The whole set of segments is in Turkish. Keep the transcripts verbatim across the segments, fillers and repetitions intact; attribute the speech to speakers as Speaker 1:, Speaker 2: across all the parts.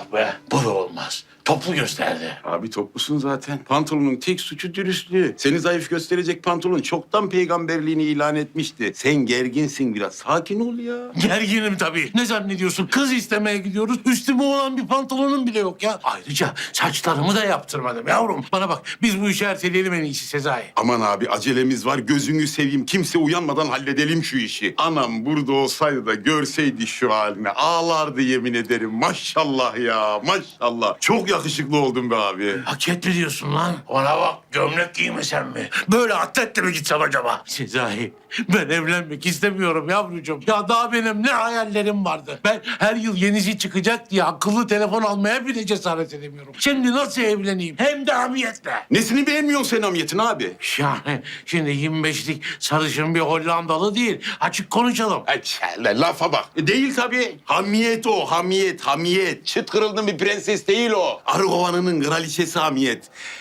Speaker 1: Yok be, bu da olmaz. Toplu gösterdi.
Speaker 2: Abi toplusun zaten. Pantolonun tek suçu dürüstlüğü. Seni zayıf gösterecek pantolon çoktan peygamberliğini ilan etmişti. Sen gerginsin biraz. Sakin ol ya.
Speaker 1: Gerginim tabii. Ne zannediyorsun? Kız istemeye gidiyoruz. Üstüme olan bir pantolonum bile yok ya. Ayrıca saçlarımı da yaptırmadım yavrum. Bana bak, biz bu işi erteleyelim en iyisi Sezai.
Speaker 2: Aman abi acelemiz var. Gözünü seveyim. Kimse uyanmadan halledelim şu işi. Anam burada olsaydı da görseydi şu halini. Ağlardı yemin ederim. Maşallah ya. Maşallah. Çok yakışıklı oldun be abi.
Speaker 1: Hak etti diyorsun lan. Ona bak, gömlek giymesen mi? Böyle atletle mi gitsem acaba? Sezai, ben evlenmek istemiyorum yavrucuğum. Ya daha benim ne hayallerim vardı. Ben her yıl yenisi çıkacak diye akıllı telefon almaya bile cesaret edemiyorum. Şimdi nasıl evleneyim? Hem de hamiyetle.
Speaker 2: Nesini beğenmiyorsun sen hamiyetin abi?
Speaker 1: Yani şimdi yirmi beşlik sarışın bir Hollandalı değil. Açık konuşalım.
Speaker 2: Ay, la- lafa bak. E, değil tabii. Hamiyet o, hamiyet, hamiyet. Çıt kırıldın bir prenses değil o. Arı kovanının kraliçesi hamiyet.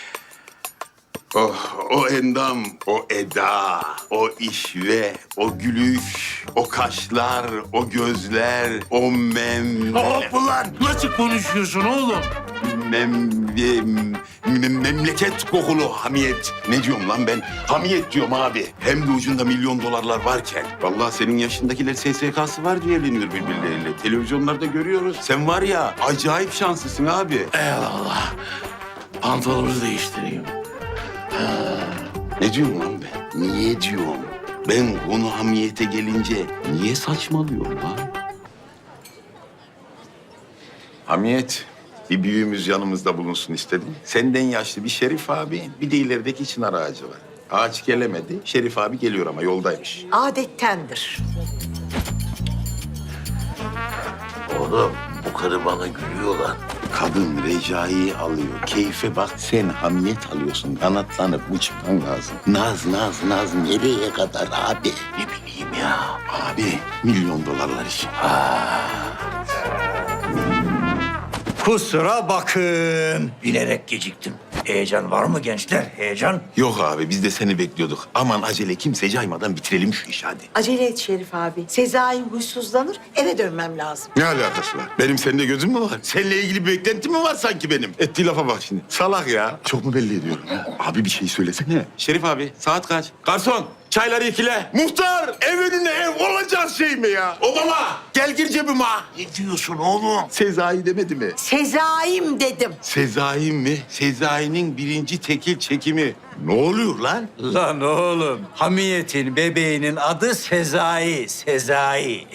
Speaker 2: Oh, o endam, o eda, o işve, o gülüş, o kaşlar, o gözler, o mem...
Speaker 1: Hop ulan! Nasıl konuşuyorsun oğlum?
Speaker 2: Mem, mem- mem- memleket kokulu hamiyet. Ne diyorum lan ben? Hamiyet diyorum abi. Hem de ucunda milyon dolarlar varken. Vallahi senin yaşındakiler S S K'sı var diye evleniyor birbirleriyle. Televizyonlarda görüyoruz. Sen var ya acayip şanslısın abi.
Speaker 1: Eyvallah. Pantolonu değiştireyim.
Speaker 2: Ne diyorum lan ben? Niye diyorum? Ben konu hamiyete gelince niye saçmalıyorum lan? Hamiyet, bir büyüğümüz yanımızda bulunsun istedim. Senden yaşlı bir Şerif abi, bir de ilerideki çınar ağacı var. Ağaç gelemedi, Şerif abi geliyor ama yoldaymış.
Speaker 3: Adettendir.
Speaker 1: Oğlum, bu karı bana gülüyor lan.
Speaker 2: Kadın Recai'yi alıyor. Keyfe bak, sen hamiyet alıyorsun. Kanatlanıp uçman lazım. Naz, naz, naz nereye kadar abi?
Speaker 1: Ne bileyim ya.
Speaker 2: Abi, milyon dolarlar için.
Speaker 4: Kusura bakın. Bilerek geciktim. Heyecan var mı gençler? Heyecan?
Speaker 2: Yok abi, biz de seni bekliyorduk. Aman acele kimse caymadan bitirelim şu işi hadi.
Speaker 3: Acele et Şerif abi. Sezai huysuzlanır, eve dönmem lazım.
Speaker 2: Ne alakası var? Benim seninle gözüm mü var? Seninle ilgili bir beklentim mi var sanki benim? Ettiği lafa bak şimdi. Salak ya. Çok mu belli ediyorum ha? Abi bir şey söylesene. Şerif abi saat kaç? Garson çayları ikile. Muhtar ev önüne ev olacak şey mi ya? Obama gel gir cebime.
Speaker 1: Ne diyorsun oğlum?
Speaker 2: Sezai demedi mi?
Speaker 3: Sezai'm dedim.
Speaker 2: Sezai mi? Sezai'nin birinci tekil çekimi. Ne oluyor lan?
Speaker 4: Lan oğlum, Hamiyet'in bebeğinin adı Sezai. Sezai.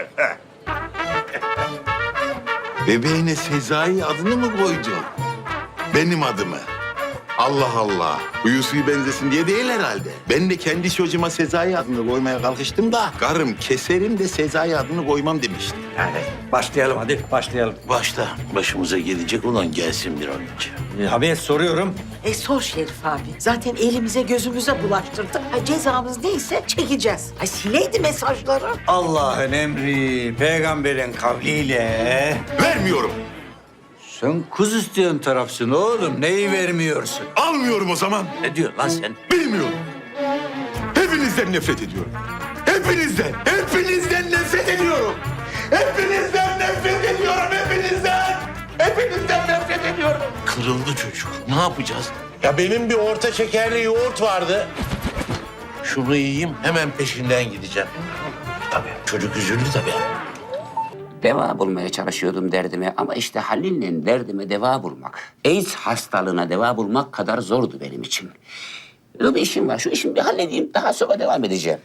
Speaker 2: Bebeğine Sezai adını mı koydun? Benim adımı. Allah Allah. Huyu suyu benzesin diye değil herhalde. Ben de kendi çocuğuma Sezai adını koymaya kalkıştım da... ...karım keserim de Sezai adını koymam demişti.
Speaker 4: Yani başlayalım hadi, başlayalım.
Speaker 1: Başta başımıza gelecek olan gelsin bir an önce.
Speaker 4: Ee, Hamiyet soruyorum.
Speaker 3: E sor Şerif abi. Zaten elimize gözümüze bulaştırdık. Ha, cezamız neyse çekeceğiz. Ay sileydi mesajları.
Speaker 4: Allah'ın emri, peygamberin kavliyle...
Speaker 2: Vermiyorum.
Speaker 4: Sen kuz isteyen tarafsın oğlum. Neyi vermiyorsun?
Speaker 2: Almıyorum o zaman.
Speaker 4: Ne diyorsun lan sen?
Speaker 2: Bilmiyorum. Hepinizden nefret ediyorum. Hepinizden, hepinizden nefret ediyorum. Hepinizden nefret ediyorum, hepinizden. Hepinizden nefret ediyorum.
Speaker 1: Kırıldı çocuk. Ne yapacağız?
Speaker 5: Ya benim bir orta şekerli yoğurt vardı.
Speaker 1: Şunu yiyeyim, hemen peşinden gideceğim. Tabii, çocuk üzüldü tabii.
Speaker 6: Deva bulmaya çalışıyordum derdime ama işte Halil'le derdime deva bulmak, AIDS hastalığına deva bulmak kadar zordu benim için. Böyle bir işim var, şu işimi bir halledeyim, daha sonra devam edeceğim.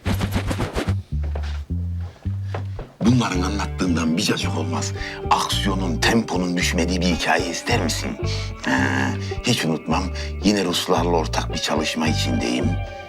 Speaker 2: Bunların anlattığından bir cacık olmaz. Aksiyonun, temponun düşmediği bir hikaye ister misin? Ha, hiç unutmam. Yine Ruslarla ortak bir çalışma içindeyim.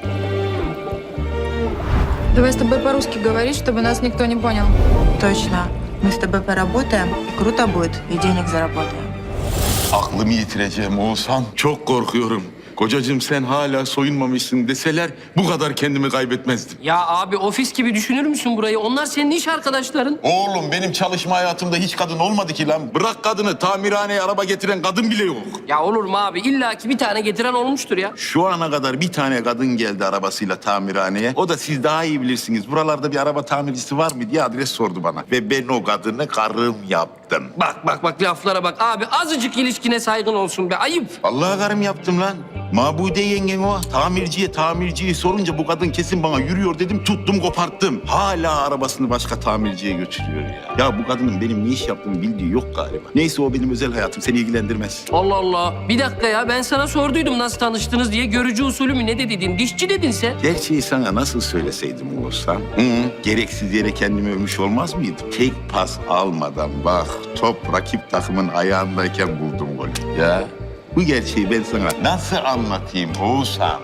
Speaker 7: Давай с тобой по-русски говорить, чтобы нас никто не понял.
Speaker 8: Точно. Мы с тобой поработаем, и круто будет, и денег заработаем.
Speaker 2: Aklımı yitireceğim Oğuzhan. Çok korkuyorum. Kocacığım sen hala soyunmamışsın deseler bu kadar kendimi kaybetmezdim.
Speaker 9: Ya abi ofis gibi düşünür müsün burayı? Onlar senin iş arkadaşların.
Speaker 2: Oğlum benim çalışma hayatımda hiç kadın olmadı ki lan. Bırak kadını, tamirhaneye araba getiren kadın bile yok.
Speaker 9: Ya olur mu abi? İlla ki bir tane getiren olmuştur ya.
Speaker 2: Şu ana kadar bir tane kadın geldi arabasıyla tamirhaneye. O da siz daha iyi bilirsiniz. Buralarda bir araba tamircisi var mı diye adres sordu bana. Ve ben o kadını karım yaptım. yaptım.
Speaker 9: Bak bak bak laflara bak. Abi azıcık ilişkine saygın olsun be. Ayıp.
Speaker 2: Vallahi karım yaptım lan. Mabude yengen o. Tamirciye tamirciyi sorunca bu kadın kesin bana yürüyor dedim. Tuttum koparttım. Hala arabasını başka tamirciye götürüyor ya. Ya bu kadının benim ne iş yaptığımı bildiği yok galiba. Neyse o benim özel hayatım. Seni ilgilendirmez.
Speaker 9: Allah Allah. Bir dakika ya ben sana sorduydum nasıl tanıştınız diye. Görücü usulü mü ne de dedin? Dişçi dedin sen.
Speaker 2: Gerçeği sana nasıl söyleseydim Oğuzhan? Hı, gereksiz yere kendimi övmüş olmaz mıydım? Tek pas almadan bak top rakip takımın ayağındayken buldum golü. Ya bu gerçeği ben sana nasıl anlatayım Oğuzhan?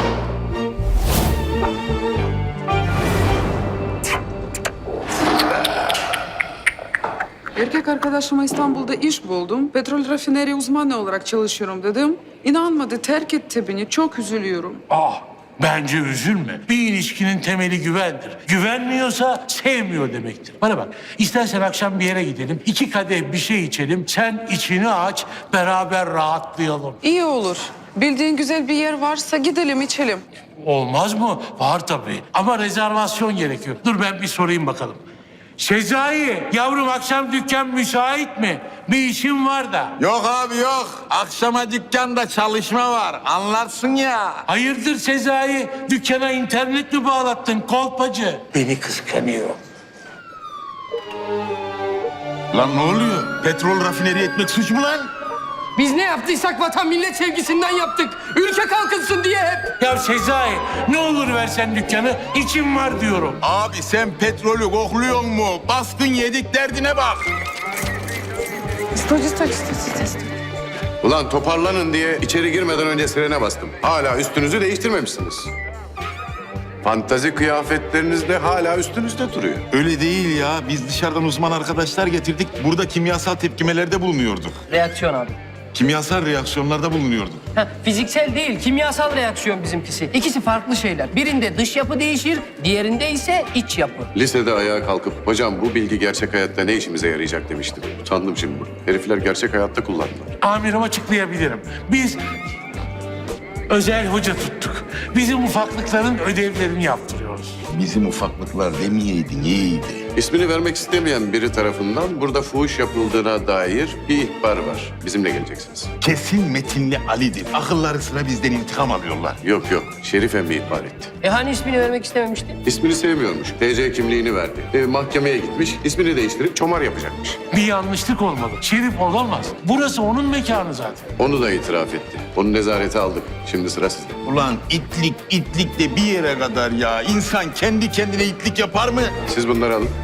Speaker 10: Erkek arkadaşıma İstanbul'da iş buldum. Petrol rafineri uzmanı olarak çalışıyorum dedim. İnanmadı, terk etti beni. Çok üzülüyorum.
Speaker 1: Ah, bence üzülme. Bir ilişkinin temeli güvendir. Güvenmiyorsa sevmiyor demektir. Bana bak, istersen akşam bir yere gidelim. İki kadeh bir şey içelim. Sen içini aç, beraber rahatlayalım.
Speaker 10: İyi olur. Bildiğin güzel bir yer varsa gidelim içelim.
Speaker 1: Olmaz mı? Var tabii. Ama rezervasyon gerekiyor. Dur ben bir sorayım bakalım. Sezai, yavrum akşam dükkan müsait mi? Bir işim var da.
Speaker 2: Yok abi yok. Akşama dükkanda çalışma var. Anlarsın ya.
Speaker 1: Hayırdır Sezai? Dükkana internet mi bağlattın kolpacı?
Speaker 4: Beni kıskanıyor.
Speaker 2: Lan ne oluyor? Petrol rafineri etmek suç mu lan?
Speaker 9: Biz ne yaptıysak vatan millet sevgisinden yaptık. Ülke kalkınsın diye hep.
Speaker 1: Ya Sezai, ne olur versen dükkanı, içim var diyorum.
Speaker 2: Abi sen petrolü kokluyor mu? Baskın yedik derdine bak.
Speaker 10: Sтой, sтой, sтой, sтой, sтой.
Speaker 11: Ulan toparlanın diye içeri girmeden önce sirene bastım. Hala üstünüzü değiştirmemişsiniz. Fantazi kıyafetleriniz de hala üstünüzde duruyor.
Speaker 2: Öyle değil ya. Biz dışarıdan uzman arkadaşlar getirdik. Burada kimyasal tepkimelerde bulunuyorduk.
Speaker 9: Reaksiyon abi.
Speaker 2: Kimyasal reaksiyonlarda bulunuyorduk.
Speaker 9: Heh, fiziksel değil, kimyasal reaksiyon bizimkisi. İkisi farklı şeyler. Birinde dış yapı değişir, diğerinde ise iç yapı.
Speaker 11: Lisede ayağa kalkıp hocam bu bilgi gerçek hayatta ne işimize yarayacak demiştim. Utandım şimdi. Herifler gerçek hayatta kullandılar.
Speaker 1: Amirim açıklayabilirim. Biz özel hoca tuttuk. Bizim ufaklıkların ödevlerini yaptırıyoruz.
Speaker 2: Bizim ufaklıklar demeyeydin iyiydi.
Speaker 11: İsmini vermek istemeyen biri tarafından burada fuhuş yapıldığına dair bir ihbar var. Bizimle geleceksiniz.
Speaker 2: Kesin Metinli Ali'dir. Akılları sıra bizden intikam alıyorlar.
Speaker 11: Yok yok. Şerif emmi ihbar etti.
Speaker 9: E hani ismini vermek istememişti?
Speaker 11: İsmini sevmiyormuş. T C kimliğini verdi. E, mahkemeye gitmiş. İsmini değiştirip çomar yapacakmış.
Speaker 1: Bir yanlışlık olmalı. Şerif olamaz. Burası onun mekanı zaten.
Speaker 11: Onu da itiraf etti. Onu nezarete aldık. Şimdi sıra sizde.
Speaker 2: Ulan itlik itlik de bir yere kadar ya. İnsan kendi kendine itlik yapar mı?
Speaker 11: Siz bunları alın.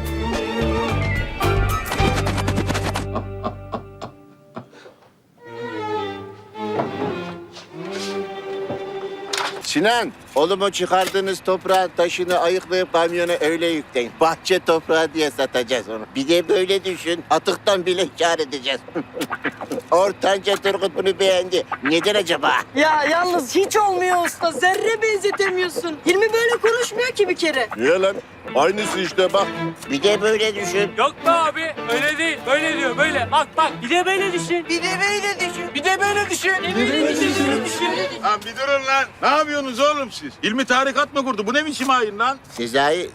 Speaker 5: Sinan, oğlum o çıkardığınız toprağın taşını ayıklayıp kamyona öyle yükleyin. Bahçe toprağı diye satacağız onu. Bir de böyle düşün, atıktan bile kâr edeceğiz. Ortanca Turgut bunu beğendi. Neden acaba?
Speaker 3: Ya yalnız hiç olmuyor usta. Zerre benzetemiyorsun. Hilmi böyle konuşmuyor ki bir kere.
Speaker 5: Niye lan? Aynısı işte bak. Bir de böyle düşün.
Speaker 9: Yok be abi, öyle değil. Böyle diyor, böyle. Bak bak, bir de böyle düşün.
Speaker 3: Bir de böyle düşün.
Speaker 9: Bir de böyle düşün. Bir de böyle düşün.
Speaker 2: Lan bir durun lan. Ne yapıyorsunuz oğlum siz? İlmi tarikat mı kurdu? Bu ne biçim hain lan?
Speaker 5: Sezai.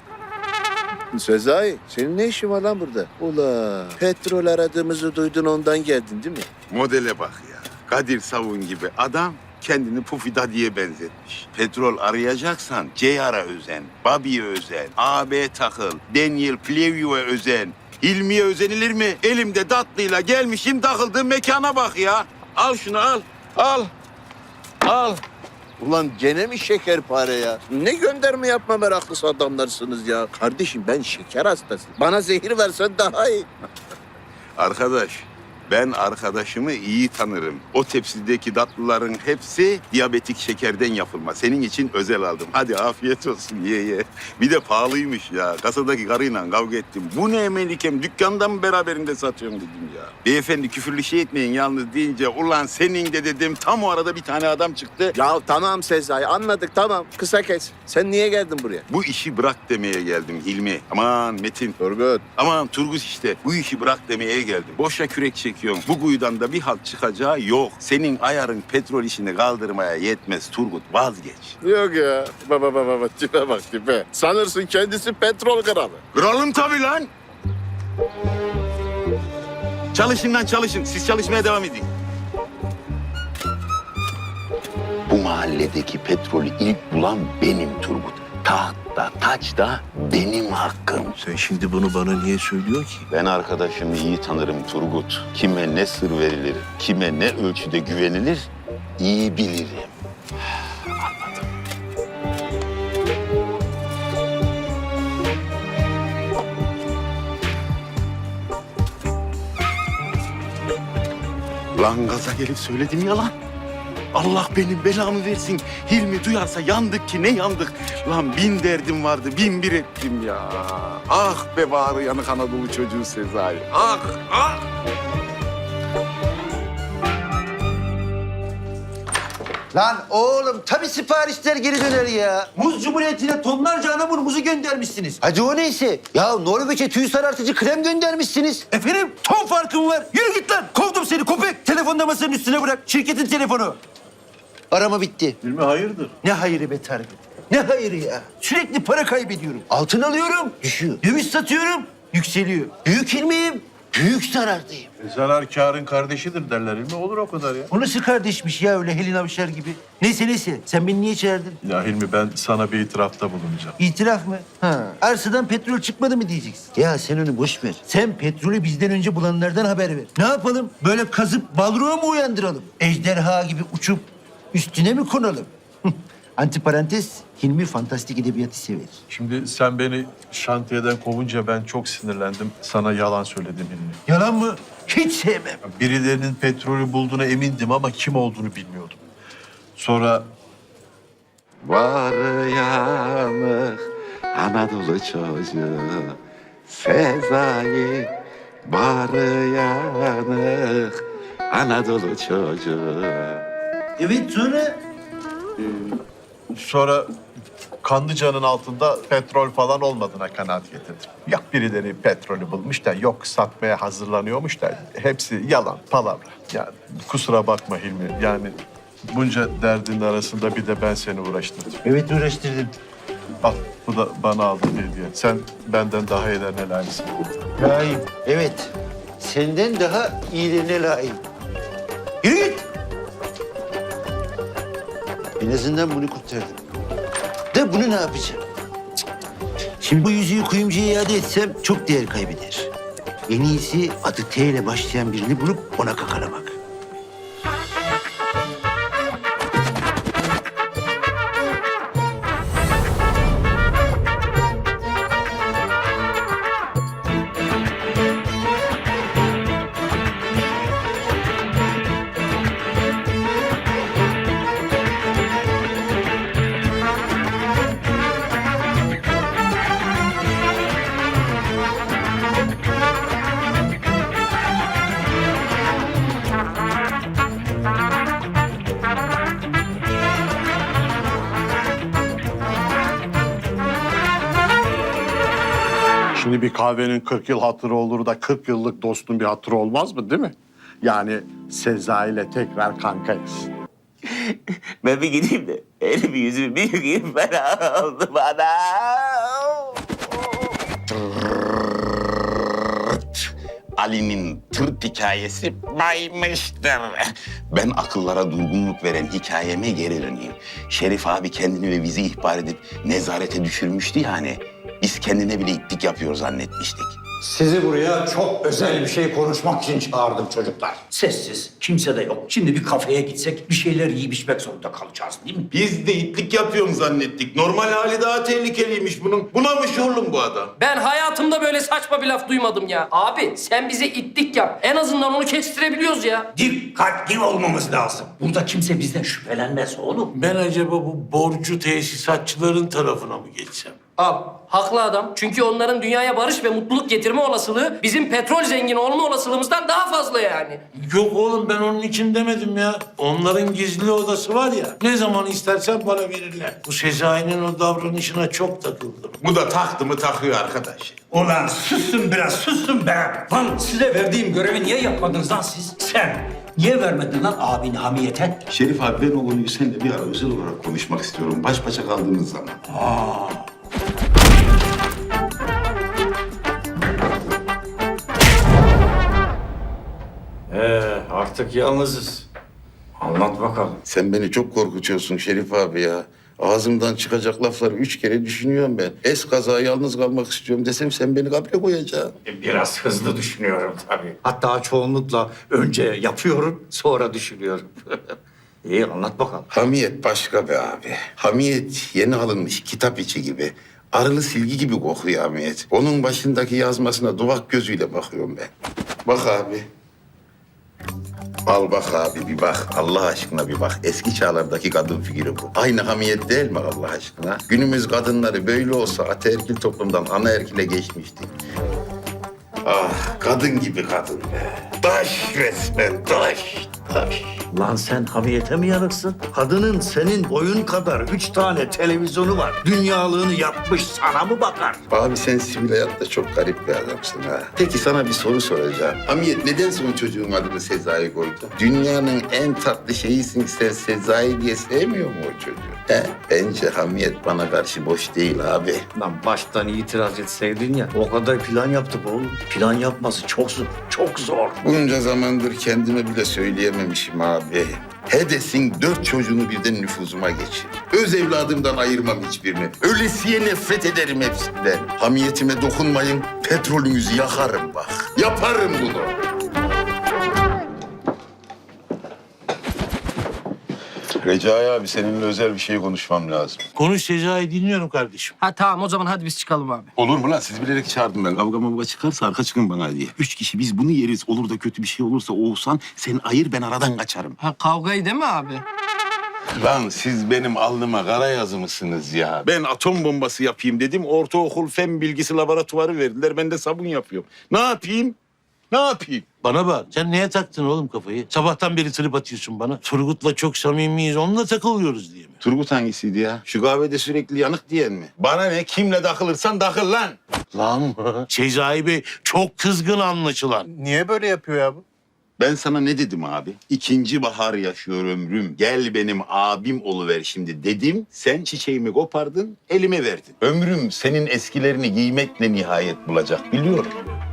Speaker 5: Sezai, senin ne işin var lan burada? Ula, petrol aradığımızı duydun ondan geldin değil mi?
Speaker 2: Modele bak ya. Kadir Savun gibi adam kendini Pufida diye benzetmiş. Petrol arayacaksan Ceyar'a özen, Bobby'ye özen, A B takıl, Daniel Plevio'ya özen. Hilmi'ye özenilir mi? Elimde tatlıyla gelmişim takıldığım mekana bak ya. Al şunu al, al, al.
Speaker 5: Ulan gene mi şekerpare ya? Ne gönderme yapma meraklısı adamlarsınız ya. Kardeşim ben şeker hastasıyım. Bana zehir versen daha iyi.
Speaker 2: Arkadaş, ben arkadaşımı iyi tanırım. O tepsideki tatlıların hepsi diyabetik şekerden yapılma. Senin için özel aldım. Hadi afiyet olsun ye ye. Bir de pahalıymış ya. Kasadaki karıyla kavga ettim. Bu ne Melikem? Dükkanda mı beraberinde satıyorsun dedim ya. Beyefendi küfürlü şey etmeyin yalnız deyince ulan senin de dedim. Tam o arada bir tane adam çıktı.
Speaker 5: Ya tamam Sezai anladık tamam. Kısa kes. Sen niye geldin buraya?
Speaker 2: Bu işi bırak demeye geldim Hilmi. Aman Metin.
Speaker 5: Turgut.
Speaker 2: Aman Turgut işte. Bu işi bırak demeye geldim. Boşa kürek çekiyorsun. Bu kuyudan da bir halt çıkacağı yok. Senin ayarın petrol işini kaldırmaya yetmez Turgut. Vazgeç.
Speaker 5: Yok ya. Baba baba baba tipe bak tipe. Sanırsın kendisi petrol kralı.
Speaker 2: Kralım tabii lan. Çalışın lan çalışın. Siz çalışmaya devam edin. Bu mahalledeki petrolü ilk bulan benim Turgut. Tahtta, taçta benim hakkım.
Speaker 1: Sen şimdi bunu bana niye söylüyor ki?
Speaker 2: Ben arkadaşımı iyi tanırım Turgut. Kime ne sır verilir, kime ne ölçüde güvenilir iyi bilirim. Lan gaza gelip söyledim ya lan. Allah benim belamı versin. Hilmi duyarsa yandık ki ne yandık. Lan bin derdim vardı, bin bir ettim ya. Ah be bağrı yanık Anadolu çocuğu Sezai. Ah, ah.
Speaker 12: Lan oğlum tabii siparişler geri döner ya. Muz Cumhuriyeti'ne tonlarca anamur muzu göndermişsiniz. Hadi o neyse. Ya Norveç'e tüy sarartıcı krem göndermişsiniz. Efendim ton farkım var. Yürü git lan. Kovdum seni köpek. Telefonu masanın üstüne bırak. Şirketin telefonu. Arama bitti.
Speaker 1: Hilmi hayırdır?
Speaker 12: Ne hayırı be Tarık? Ne hayırı ya? Sürekli para kaybediyorum. Altın alıyorum, düşüyor. Döviz satıyorum, yükseliyor. Büyük ilmiyim, büyük zarardayım.
Speaker 1: Zarar kârın kardeşidir derler Hilmi. Olur o kadar ya.
Speaker 12: O nasıl kardeşmiş ya öyle Helin Avşar gibi? Neyse neyse, sen beni niye çağırdın?
Speaker 1: Ya Hilmi ben sana bir itirafta bulunacağım.
Speaker 12: İtiraf mı? Ha. Arsadan petrol çıkmadı mı diyeceksin? Ya sen onu boş ver. Sen petrolü bizden önce bulanlardan haber ver. Ne yapalım? Böyle kazıp balroğa mı uyandıralım? Ejderha gibi uçup üstüne mi konalım? Antiparantez, Hilmi fantastik edebiyatı sever.
Speaker 1: Şimdi sen beni şantiyeden kovunca ben çok sinirlendim. Sana yalan söyledim Hilmi.
Speaker 12: Yalan mı? Hiç sevmem.
Speaker 1: Birilerinin petrolü bulduğuna emindim ama kim olduğunu bilmiyordum. Sonra
Speaker 2: Var yanık Anadolu çocuğu Sezai. Var yanık Anadolu çocuğu.
Speaker 12: Evet sonra?
Speaker 1: sonra Kanlıca'nın altında petrol falan olmadığına kanaat getirdim. Yok birileri petrolü bulmuş da yok satmaya hazırlanıyormuş da hepsi yalan, palavra. Yani kusura bakma Hilmi. Yani bunca derdin arasında bir de ben seni uğraştırdım.
Speaker 12: Evet uğraştırdım.
Speaker 1: Al bu da bana aldığın hediye. Sen benden daha iyilerine layıksın.
Speaker 12: Layığım. Evet. Senden daha iyilerine layığım. Yürü git. En azından bunu kurtardım. De bunu ne yapacağım? Cık. Şimdi bu yüzüğü kuyumcuya iade etsem çok değer kaybeder. En iyisi adı T ile başlayan birini bulup ona kakalamak.
Speaker 11: Şimdi bir kahvenin kırk yıl hatırı olur da kırk yıllık dostun bir hatırı olmaz mı değil mi? Yani Sezai ile tekrar kankayız.
Speaker 6: Ben bir gideyim de elimi yüzümü bir yıkayayım fena oldu bana.
Speaker 2: Ali'nin tırt hikayesi baymıştır. Ben akıllara durgunluk veren hikayeme geri döneyim. Şerif abi kendini ve bizi ihbar edip nezarete düşürmüştü yani. Biz kendine bile itlik yapıyor zannetmiştik.
Speaker 4: Sizi buraya çok özel bir şey konuşmak için çağırdım çocuklar. Sessiz, kimse de yok. Şimdi bir kafeye gitsek bir şeyler yiyip içmek zorunda kalacağız değil mi?
Speaker 2: Biz de itlik yapıyorum zannettik. Normal hali daha tehlikeliymiş bunun. Bunamış oğlum bu adam.
Speaker 9: Ben hayatımda böyle saçma bir laf duymadım ya. Abi sen bize itlik yap. En azından onu kestirebiliyoruz ya.
Speaker 4: Dikkatli olmamız lazım. Burada kimse bizden şüphelenmez oğlum.
Speaker 1: Ben acaba bu borcu tesisatçıların tarafına mı geçsem?
Speaker 9: Al, haklı adam. Çünkü onların dünyaya barış ve mutluluk getirme olasılığı bizim petrol zengini olma olasılığımızdan daha fazla yani.
Speaker 1: Yok oğlum ben onun için demedim ya. Onların gizli odası var ya. Ne zaman istersen bana verirler. Bu Sezai'nin o davranışına çok takıldım.
Speaker 2: Bu da taktı mı takıyor arkadaş.
Speaker 4: Ulan susun biraz, susun be. Lan size verdiğim görevi niye yapmadınız lan siz? Sen niye vermedin lan abini hamiyete?
Speaker 2: Şerif abi ben o konuyu seninle bir ara özel olarak konuşmak istiyorum. Baş başa kaldığımız zaman.
Speaker 4: Aa. Artık yalnızız. Anlat bakalım.
Speaker 2: Sen beni çok korkutuyorsun Şerif abi ya. Ağzımdan çıkacak lafları üç kere düşünüyorum ben. Es kaza yalnız kalmak istiyorum desem sen beni kabre koyacaksın.
Speaker 4: E, Biraz hızlı düşünüyorum tabii. Hatta çoğunlukla önce yapıyorum, sonra düşünüyorum. İyi, anlat bakalım.
Speaker 2: Hamiyet başka be abi. Hamiyet yeni alınmış kitap içi gibi. Arılı silgi gibi kokuyor Hamiyet. Onun başındaki yazmasına duvak gözüyle bakıyorum ben. Bak abi. Al bak abi bir bak. Allah aşkına bir bak. Eski çağlardaki kadın figürü bu. Aynı Hamiyet değil mi Allah aşkına? Günümüz kadınları böyle olsa ataerkil toplumdan anaerkile geçmiştik. Ah kadın gibi kadın be. Taş resmen taş. Taş.
Speaker 12: Lan sen hamiyete mi yanıksın? Kadının senin boyun kadar üç tane televizyonu var. Dünyalığını yapmış, sana mı bakar?
Speaker 2: Abi sen sivil hayatta çok garip bir adamsın ha. Peki sana bir soru soracağım. Hamiyet neden son çocuğun adını Sezai koydu? Dünyanın en tatlı şeyisin sen Sezai diye sevmiyor mu o çocuğu? He, bence Hamiyet bana karşı boş değil abi.
Speaker 12: Lan baştan itiraz etseydin ya. O kadar plan yaptık oğlum. Plan yapması çok zor, çok zor.
Speaker 2: Bunca zamandır kendime bile söyleyememişim abi. Hedes'in dört çocuğunu birden nüfuzuma geçir. Öz evladımdan ayırmam hiçbirini. Ölesiye nefret ederim hepsinden. Hamiyetime dokunmayın, petrolünüzü yakarım bak. Yaparım bunu. Recai abi seninle özel bir şey konuşmam lazım.
Speaker 1: Konuş Sezai, dinliyorum kardeşim.
Speaker 9: Ha tamam, o zaman hadi biz çıkalım abi.
Speaker 2: Olur mu lan? Siz bilerek çağırdım ben. Kavga mavga çıkarsa arka çıkın bana diye. Üç kişi biz bunu yeriz. Olur da kötü bir şey olursa Oğuzhan sen ayır ben aradan kaçarım.
Speaker 9: Ha kavgayı değil mi abi?
Speaker 2: Lan siz benim alnıma kara yazımısınız ya. Ben atom bombası yapayım dedim. Ortaokul fen bilgisi laboratuvarı verdiler. Ben de sabun yapıyorum. Ne yapayım? Ne yapayım?
Speaker 1: Bana bak, sen neye taktın oğlum kafayı? Sabahtan beri trip atıyorsun bana. Turgut'la çok samimiyiz, onunla takılıyoruz diye mi?
Speaker 2: Turgut hangisiydi ya? Şu kahvede sürekli yanık diyen mi? Bana ne? Kimle takılırsan takıl lan.
Speaker 1: Lan mı? Sezai Bey çok kızgın anlaşılan.
Speaker 11: Niye böyle yapıyor ya bu?
Speaker 2: Ben sana ne dedim abi? İkinci bahar yaşıyor ömrüm. Gel benim abim oluver şimdi dedim. Sen çiçeğimi kopardın, elime verdin. Ömrüm senin eskilerini giymekle nihayet bulacak biliyorum.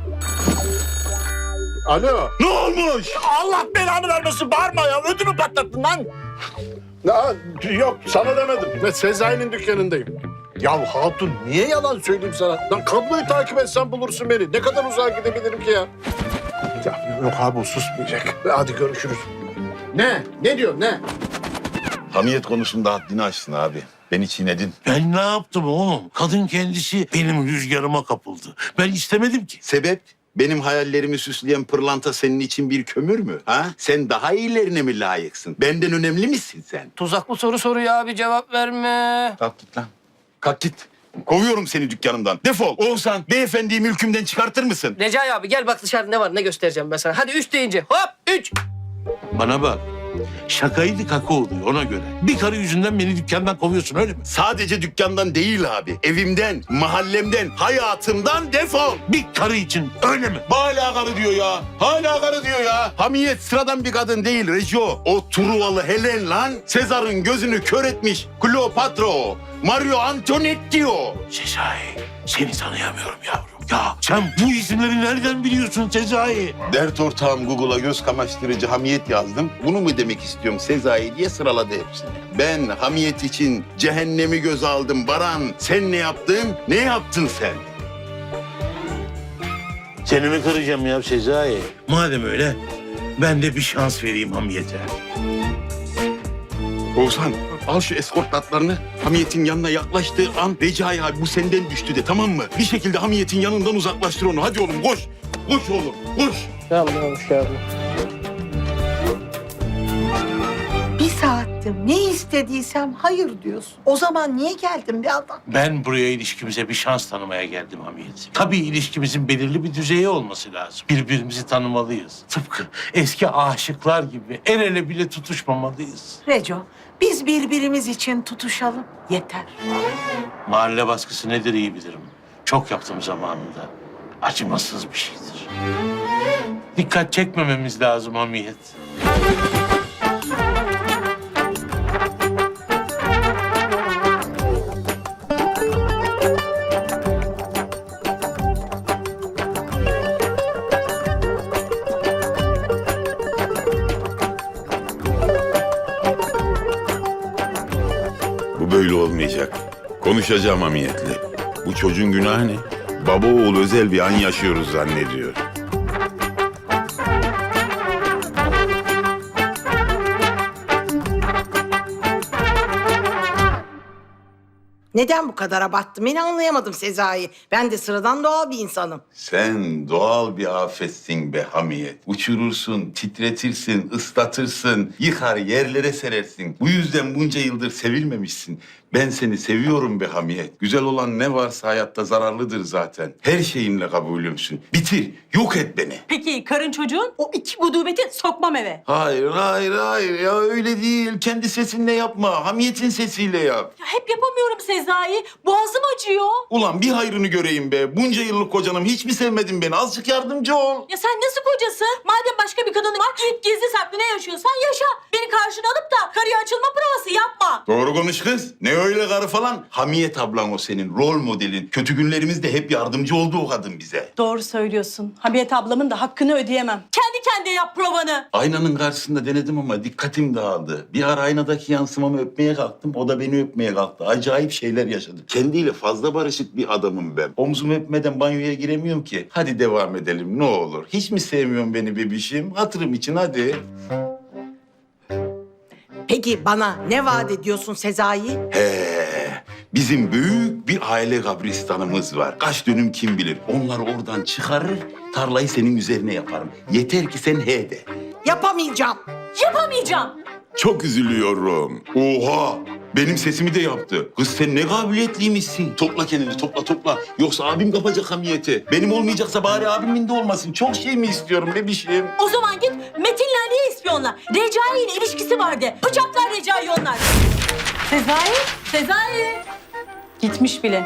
Speaker 11: Alo.
Speaker 2: Ne olmuş?
Speaker 1: Allah belanı vermesin, bağırma ya. Ödümü patlattın lan.
Speaker 11: Aa, yok sana demedim. Ben Sezai'nin dükkanındayım. Ya hatun niye yalan söyleyeyim sana? Lan kabloyu takip etsen bulursun beni. Ne kadar uzağa gidebilirim ki ya? Ya yok abi o susmayacak. Hadi görüşürüz. Ne? Ne diyor ne?
Speaker 2: Hamiyet konusunda haddini aşsın abi. Beni çiğnedin.
Speaker 1: Ben ne yaptım oğlum? Kadın kendisi benim rüzgarıma kapıldı. Ben istemedim ki.
Speaker 2: Sebep? Benim hayallerimi süsleyen pırlanta senin için bir kömür mü? Ha? Sen daha iyilerine mi layıksın? Benden önemli misin sen?
Speaker 9: Tuzaklı soru soruyor abi, cevap verme.
Speaker 2: Kalk git lan. Kalk git. Kovuyorum seni dükkanımdan. Defol. Oğuzhan, beyefendiyi mülkümden çıkartır mısın?
Speaker 9: Recai abi gel bak dışarıda ne var, ne göstereceğim ben sana. Hadi üç deyince hop üç.
Speaker 1: Bana bak. Şakaydı kaka oluyor ona göre. Bir karı yüzünden beni dükkandan kovuyorsun öyle mi?
Speaker 2: Sadece dükkandan değil abi. Evimden, mahallemden, hayatımdan defol.
Speaker 1: Bir karı için öyle mi?
Speaker 2: Hala karı diyor ya. Hala karı diyor ya. Hamiyet sıradan bir kadın değil Rejo. O Truvalı Helen lan. Sezar'ın gözünü kör etmiş. Kleopatra o. Mario Antoinette diyor.
Speaker 1: Sezai, seni tanıyamıyorum yavrum. Ya sen bu isimleri nereden biliyorsun Sezai?
Speaker 2: Dert ortağım Google'a göz kamaştırıcı hamiyet yazdım. Bunu mu demek istiyorum Sezai diye sıraladı hepsini. Ben hamiyet için cehennemi göze aldım Baran. Sen ne yaptın? Ne yaptın sen?
Speaker 1: Seni mi kıracağım ya Sezai? Madem öyle ben de bir şans vereyim hamiyete.
Speaker 2: Oğuzhan al şu eskort atlarını. Hamiyetin yanına yaklaştığı an Recai abi bu senden düştü de tamam mı? Bir şekilde hamiyetin yanından uzaklaştır onu. Hadi oğlum koş. Koş oğlum koş.
Speaker 9: Tamam hoş geldin.
Speaker 3: Bir saattir ne istediysem hayır diyorsun. O zaman niye geldin bir adam?
Speaker 1: Ben buraya ilişkimize bir şans tanımaya geldim hamiyet. Tabii ilişkimizin belirli bir düzeyi olması lazım. Birbirimizi tanımalıyız. Tıpkı eski aşıklar gibi el ele bile tutuşmamalıyız.
Speaker 3: Reco, biz birbirimiz için tutuşalım. Yeter.
Speaker 1: Mahalle baskısı nedir iyi bilirim. Çok yaptım zamanında. Acımasız bir şeydir. Dikkat çekmememiz lazım hamiyet.
Speaker 2: böyle olmayacak. Konuşacağım hamiyetle. Bu çocuğun günahı ne? Baba oğul özel bir an yaşıyoruz zannediyor.
Speaker 3: Neden bu kadar abarttım? Beni anlayamadım Sezai. Ben de sıradan doğal bir insanım.
Speaker 2: Sen doğal bir afetsin be hamiyet. Uçurursun, titretirsin, ıslatırsın, yıkar yerlere serersin. Bu yüzden bunca yıldır sevilmemişsin. Ben seni seviyorum be hamiyet. Güzel olan ne varsa hayatta zararlıdır zaten. Her şeyimle kabulümsün. Bitir, yok et beni.
Speaker 13: Peki karın çocuğun o iki gudubeti sokmam eve.
Speaker 2: Hayır, hayır, hayır. Ya öyle değil. Kendi sesinle yapma. Hamiyetin sesiyle yap.
Speaker 13: Ya hep yapamıyorum Sezai. Boğazım acıyor.
Speaker 2: Ulan bir hayrını göreyim be. Bunca yıllık kocanım hiç mi sevmedin beni? Azıcık yardımcı ol.
Speaker 13: Ya sen nasıl kocası? Madem başka bir kadın var, git gizli saklı ne yaşıyorsan yaşa. Beni karşına alıp da karıya açılma provası yapma.
Speaker 2: Doğru konuş kız. Ne öyle karı falan? Hamiyet ablan o senin. Rol modelin. Kötü günlerimizde hep yardımcı oldu o kadın bize.
Speaker 13: Doğru söylüyorsun. Hamiyet ablamın da hakkını ödeyemem. Kendi kendine yap provanı.
Speaker 2: Aynanın karşısında denedim ama dikkatim dağıldı. Bir ara aynadaki yansımamı öpmeye kalktım. O da beni öpmeye kalktı. Acayip şeyler yaşadık. Kendiyle fazla barışık bir adamım ben. Omzumu öpmeden banyoya giremiyorum ki. Hadi devam edelim ne olur. Hiç mi sevmiyorsun beni bebişim? Hatırım için hadi.
Speaker 3: Peki bana ne vaat ediyorsun Sezai?
Speaker 2: He, bizim büyük bir aile kabristanımız var. Kaç dönüm kim bilir. Onları oradan çıkarır, tarlayı senin üzerine yaparım. Yeter ki sen he de.
Speaker 3: Yapamayacağım.
Speaker 13: Yapamayacağım.
Speaker 2: Çok üzülüyorum. Oha! Benim sesimi de yaptı. Kız sen ne kabiliyetliymişsin. Topla kendini, topla topla. Yoksa abim kapacak hamiyeti. Benim olmayacaksa bari abimin de olmasın. Çok şey mi istiyorum bebişim?
Speaker 13: O zaman git Metin'le Ali'ye ispiyonla. Recai ile ilişkisi vardı. Bıçaklar Recai onlar. Sezai, Sezai. Gitmiş bile.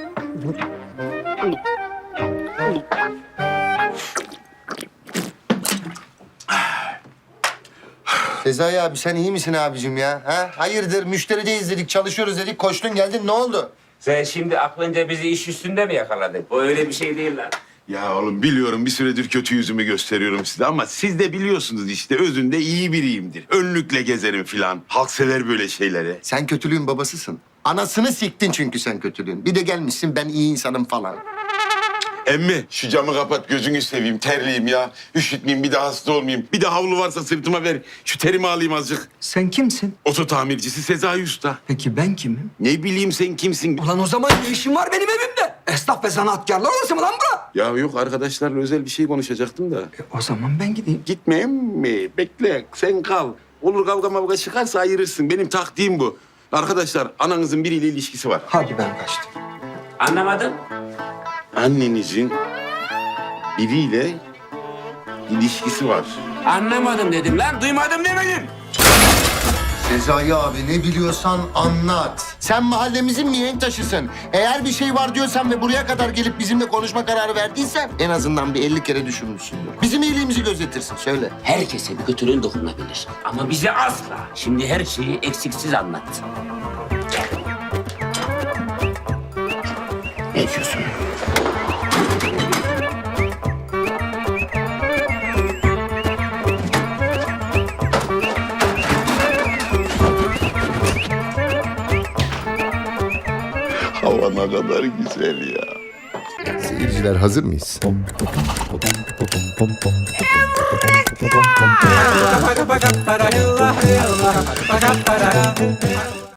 Speaker 12: Sezai abi sen iyi misin abicim ya? Ha? Hayırdır müşterideyiz dedik, çalışıyoruz dedik, koştun geldin ne oldu?
Speaker 6: Sen şimdi aklınca bizi iş üstünde mi yakaladın? O öyle bir şey değil lan.
Speaker 2: Ya oğlum biliyorum bir süredir kötü yüzümü gösteriyorum size ama siz de biliyorsunuz işte özünde iyi biriyimdir. Önlükle gezerim filan. Halk sever böyle şeyleri.
Speaker 12: Sen kötülüğün babasısın. Anasını siktin çünkü sen kötülüğün. Bir de gelmişsin ben iyi insanım falan.
Speaker 2: Emmi şu camı kapat gözünü seveyim terliyim ya. Üşütmeyeyim bir de hasta olmayayım. Bir de havlu varsa sırtıma ver. Şu terimi alayım azıcık.
Speaker 4: Sen kimsin?
Speaker 2: Oto tamircisi Sezai Usta.
Speaker 4: Peki ben kimim?
Speaker 2: Ne bileyim sen kimsin?
Speaker 4: Ulan o zaman ne işin var benim evimde? Esnaf ve sanatkarlar orası mı lan bura?
Speaker 2: Ya yok arkadaşlarla özel bir şey konuşacaktım da.
Speaker 4: E, o zaman ben gideyim.
Speaker 2: Gitmeyeyim mi? Bekle sen kal. Olur kavga mavga çıkarsa ayırırsın. Benim taktiğim bu. Arkadaşlar ananızın biriyle ilişkisi var.
Speaker 4: Hadi ben kaçtım.
Speaker 6: Anlamadım.
Speaker 2: Annenizin biriyle ilişkisi var.
Speaker 6: Anlamadım dedim lan. Duymadım demedim.
Speaker 12: Sezai abi ne biliyorsan anlat. Sen mahallemizin mihenk taşısın. Eğer bir şey var diyorsan ve buraya kadar gelip bizimle konuşma kararı verdiysen en azından bir elli kere düşünmüşsündür. Bizim iyiliğimizi gözetirsin söyle.
Speaker 6: Herkese bir kötülüğün dokunabilir. Ama bize asla. Şimdi her şeyi eksiksiz anlat. Ne diyorsun?
Speaker 2: Hava ne kadar güzel ya.
Speaker 12: Seyirciler hazır mıyız?